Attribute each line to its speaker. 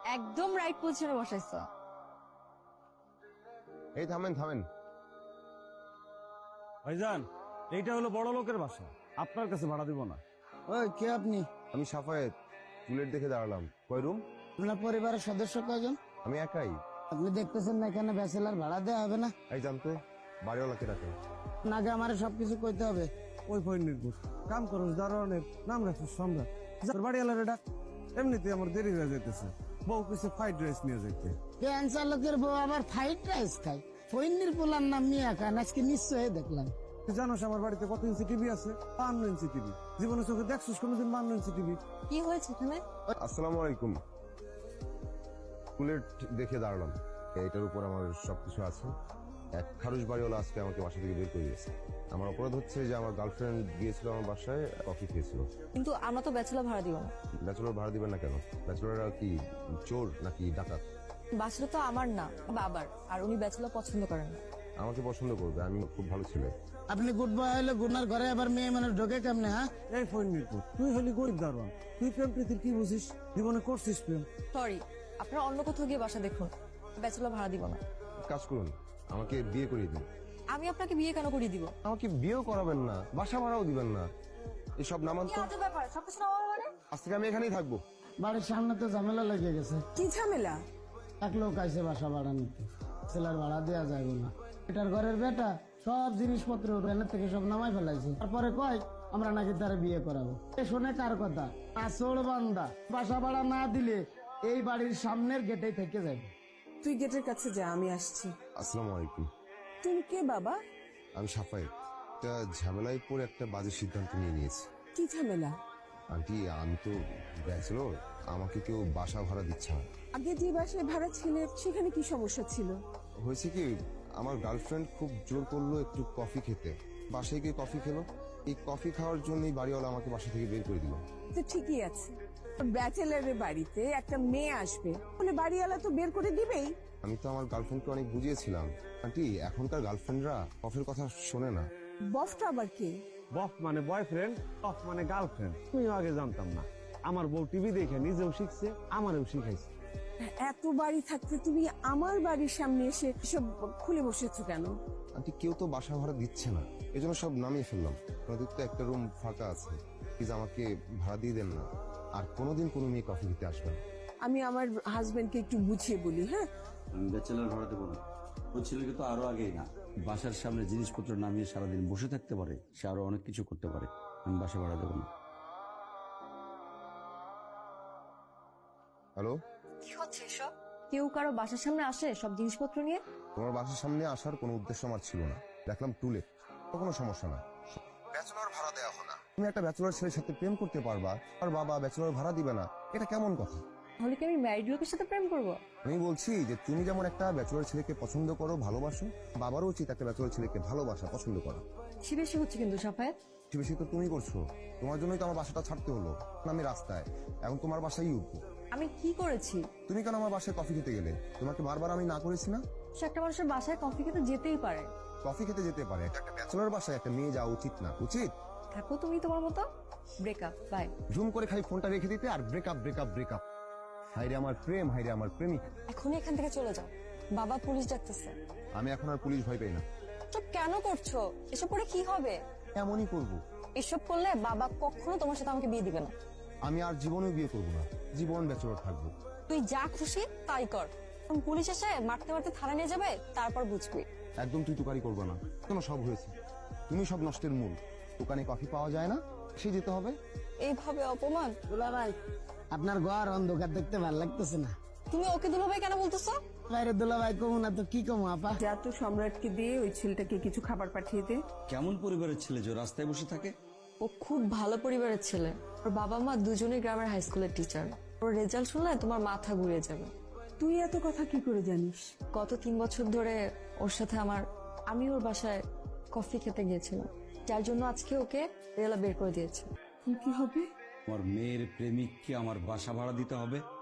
Speaker 1: একদম রাইট পজিশনে বসাইছো।
Speaker 2: এই থামেন থামেন।
Speaker 3: ভাইজান, এইটা হলো বড় লোকের বাসা, আপনার কাছে ভাড়া দিব না।
Speaker 4: ওই কে আপনি?
Speaker 2: আমি সাফায়েত, টুলেট দেখে দাঁড়ালাম। কয় রুম?
Speaker 4: আপনার পরিবারের সদস্য কয়জন?
Speaker 2: আমি একাই।
Speaker 4: আপনি দেখতেছেন না এখানে ব্যাচেলার ভাড়া দেওয়া হবে না?
Speaker 2: এই জানতো বাড়িওয়ালাকে ডাকে।
Speaker 4: নাকি আমার সবকিছু কইতে হবে?
Speaker 3: ওই ফইন নির্ভর কাম করস, দারোয়ানের নাম রাখছিস সম্রাট। তোর বাড়ি এলারে ডাক। এমনিতে আমার দেরি হয়ে যাইতেছে, বউ কিছু ফ্রাইড রাইস নিয়ে যাইতে।
Speaker 4: ক্যান্সার লোকের বউ আবার ফ্রাইড রাইস খায়? ফইন্নির পোলার নাম মিয়া খান, আজকে নিশ্চয়ই দেখলাম।
Speaker 3: তুই জানোস আমার বাড়িতে কত ইঞ্চি টিভি আছে? 52 ইঞ্চি টিভি। জীবনে চোখে দেখছিস কোনোদিন 52 ইঞ্চি টিভি?
Speaker 1: কি হয়েছে এখানে?
Speaker 2: আসসালামু আলাইকুম। টুলেট দেখে দাঁড়ালাম, এইটার উপর আমার সবকিছু আছে। এক খারুশ বাড়িওয়ালা আজকে আমাকে বাসা থেকে বের করে দিয়েছে। আমার অপরাধ হচ্ছে যে আমার গার্লফ্রেন্ড গিয়েছিল আমার বাসায়, কফি খেয়েছিল।
Speaker 1: কিন্তু আমরা তো ব্যাচেলর ভাড়া দিব না।
Speaker 2: ব্যাচেলর ভাড়া দিবেন না কেন? ব্যাচেলররা কি চোর নাকি ডাকাত?
Speaker 1: বাসা তো আমার না, বাবার, আর উনি ব্যাচেলর পছন্দ করেন না।
Speaker 2: আমাকে পছন্দ করবে, আমি খুব ভালো ছেলে।
Speaker 4: আপনি গুড বয় হলে গুনার ঘরে আবার মেয়ে মানুষ ঢোকে কেমনে? হ্যাঁ,
Speaker 3: এই ফইন নির্ভর, তুই হলি গরিব দারোয়ান, তুই প্রেম প্রীতির কি বুঝিস? জীবনে করছিস প্রেম?
Speaker 1: সরি, আপনারা অন্য কোথাও গিয়ে বাসা দেখুন, ব্যাচেলর ভাড়া দিব না।
Speaker 2: কাজ করুন, আমাকে বিয়ে করিয়ে দিন।
Speaker 1: আমি আপনাকে বিয়ে কেন করিয়ে দিব?
Speaker 2: আমাকে বিয়েও করাবেন না, বাসা ভাড়াও দিবেন না, এসব নামান তো।
Speaker 1: ব্যাপার, সবকিছু নেওয়া মানে?
Speaker 2: আজ থেকে আমি এখানেই থাকবো।
Speaker 4: বাড়ির সামনে তো ঝামেলা লেগে গেছে।
Speaker 5: কি ঝামেলা?
Speaker 4: এক লোক আইসে বাসা ভাড়া নিতে, ছেলের ভাড়া দেওয়া যাবে না। এটার ঘরের বেটা সব জিনিসপত্র ট্রেনের থেকে সব নামাই ফেলাইছে। তারপরে কয় আমরা নাকি তারা বিয়ে করাবো। এ শোনে কার কথা? আসল বান্দা। বাসা ভাড়া না দিলে এই বাড়ির সামনের গেটেই থেকে যাবে।
Speaker 5: তুই গেটের কাছে যা, আমি আসছি।
Speaker 2: আসসালামু আলাইকুম।
Speaker 5: তুমি কে বাবা?
Speaker 2: আমি সাফায়েত। একটা ঝামেলায় পড়ে একটা বাজে সিদ্ধান্ত নিয়ে নিয়েছি।
Speaker 5: কি ঝামেলা?
Speaker 2: আন্টি, আমি তো ব্যাচেলর, আমাকে কেউ বাসা ভাড়া দিচ্ছে না।
Speaker 5: আগে যে বাসায় ভাড়া ছিলে সেখানে কি সমস্যা ছিল?
Speaker 2: হয়েছে কি, আমার গার্লফ্রেন্ড খুব জোর করলো একটু কফি খেতে। বাসায় গিয়ে কফি খেলো। এই কফি খাওয়ার জন্যই বাড়িওয়ালা আমাকে বাসা থেকে বের করে দিল।
Speaker 5: তো ঠিকই আছে, ব্যাচেলারের বাড়িতে একটা মেয়ে আসবে, মানে বাড়িওয়ালা তো বের করে দিবেই।
Speaker 2: আমি তো আমার গার্লফ্রেন্ডকে অনেক বুঝিয়েছিলাম। আন্টি, এখনকার গার্লফ্রেন্ডরা কফির কথা শোনে না।
Speaker 5: বফটা আবার কে?
Speaker 3: বফ মানে বয়ফ্রেন্ড, অফ মানে গার্লফ্রেন্ড। তুমিও আগে জানতাম না। আমার বউ টিভি দেখে নিজেও শিখছে, আমারও শিখাইছে।
Speaker 5: এত বাড়ি থাকতে তুমি আমার বাড়ির সামনে এসে সব খুলে বসেছো কেন?
Speaker 2: আন্টি, কেউ তো বাসা ভাড়া দিচ্ছে না, এজন্য সব নামিয়ে ফেললাম। আপনাদের তো একটা রুম ফাঁকা আছে, প্লিজ আমাকে ভাড়া দিয়ে দেন না। আর কোনোদিন কোনো মেয়ে কফি দিতে আসবে না।
Speaker 5: আমি আমার হাজবেন্ডকে একটু বুঝিয়ে বলি। হ্যাঁ,
Speaker 6: আমি ব্যাচেলার ভাড়া দেবো না। ওই ছেলেকে তো আরো আগেই না, বাসার সামনে জিনিসপত্র নামিয়ে সারাদিন বসে থাকতে পারে, সে আরো অনেক কিছু করতে পারে। আমি বাসা ভাড়া দেবো না।
Speaker 2: হ্যালো,
Speaker 1: কি হচ্ছে এসব? কেউ কারো বাসার সামনে আসে সব জিনিসপত্র নিয়ে?
Speaker 2: তোমার বাসার সামনে আসার কোনো উদ্দেশ্য আমার ছিল না। দেখলাম টুলে, তো কোনো সমস্যা না। ব্যাচেলর ভাড়া দেওয়া হলো না। তুমি একটা ব্যাচেলর ছেলের সাথে প্রেম করতে পারবা, আর বাবা ব্যাচেলর ভাড়া দিবে না, এটা কেমন কথা?
Speaker 1: তাহলে কি আমি ম্যারিড লোকের সাথে প্রেম করবো?
Speaker 2: আমি বলছি যে তুমি যেমন একটা ব্যাচেলর ছেলেকে পছন্দ করো, ভালোবাসো, বাবারও উচিত একটা ব্যাচেলর ছেলেকে ভালোবাসা, পছন্দ করা।
Speaker 1: বেশি বেশি হচ্ছে কিন্তু সাফায়েত।
Speaker 2: বেশি বেশি তো তুমি করছো। তোমার জন্যই তো আমার বাসাটা ছাড়তে হলো। আমি রাস্তায়, এখন তোমার বাসায় উঠবো।
Speaker 1: আমি কি করেছি?
Speaker 2: তুমি কেন আমার বাসায় কফি খেতে গেলে? তোমাকে বারবার আমি না করেছি না?
Speaker 1: সে একটা মানুষের বাসায় কফি খেতে যেতেই পারে।
Speaker 2: কফি খেতে যেতে পারে, একটা ব্যাচেলর বাসায় একটা মেয়ে যাওয়া উচিত না? উচিত?
Speaker 1: থাকো তুমি তোমার মতো। Breakup, by.
Speaker 2: জুম করে খালি ফোনটা রেখে দিতে আর ব্রেকআপ ব্রেকআপ ব্রেকআপ। হাইরে আমার প্রেম, হাইরে আমার প্রেমিক।
Speaker 1: এখনই এখান থেকে চলে যাও, বাবা পুলিশ ডাকতেছে।
Speaker 2: আমি এখন আর পুলিশ ভয় পাই না।
Speaker 1: চুপ কেন করছো? এসব করে কি হবে?
Speaker 2: এমনই করবো।
Speaker 1: এসব করলে বাবা কখনো তোমার সাথে আমাকে বিয়ে দিবে না।
Speaker 2: আমি আর জীবনেও বিয়ে করবো না, জীবন ব্যাচেলর থাকবো।
Speaker 1: তুই যা খুশি তাই কর। পুলিশ এসে মারতে মারতে থানা নিয়ে যাবে, তারপর বুঝবি।
Speaker 2: একদম তুই তুকারি করবো না, কেন? সব হয়েছে, তুমি সব নষ্টের মূল। দোকানে কফি পাওয়া যায় না, সে যেতে হবে।
Speaker 1: এইভাবে অপমান?
Speaker 4: দুলা ভাই, আপনার ঘর অন্ধকার দেখতে ভালো লাগতেছে না?
Speaker 1: তুমি ওকে দুলাভাই কেন বলতেছো?
Speaker 4: বাইরে দুলা ভাই কমু না তো কি কমু আপা?
Speaker 5: যা তো সম্রাটকে দিয়ে ওই ছেলেটাকে কিছু খাবার পাঠিয়ে দে।
Speaker 6: কেমন পরিবারের ছেলে যে রাস্তায় বসে থাকে?
Speaker 1: ও খুব ভালো পরিবারের ছেলে। ওর বাবা মা দুজনেই গ্রামের হাই স্কুলের টিচার। ওর রেজাল্ট শুনলে তোমার মাথা ঘুরে যাবে।
Speaker 5: তুই এত কথা কি করে জানিস?
Speaker 1: গত 3 বছর ধরে ওর সাথে আমি ওর বাসায় কফি খেতে গিয়েছিলাম, যার জন্য আজকে ওকে রেলা বের করে দিয়েছে।
Speaker 5: কি হবে?
Speaker 6: আমার মেয়ের প্রেমিককে আমার বাসা ভাড়া দিতে হবে?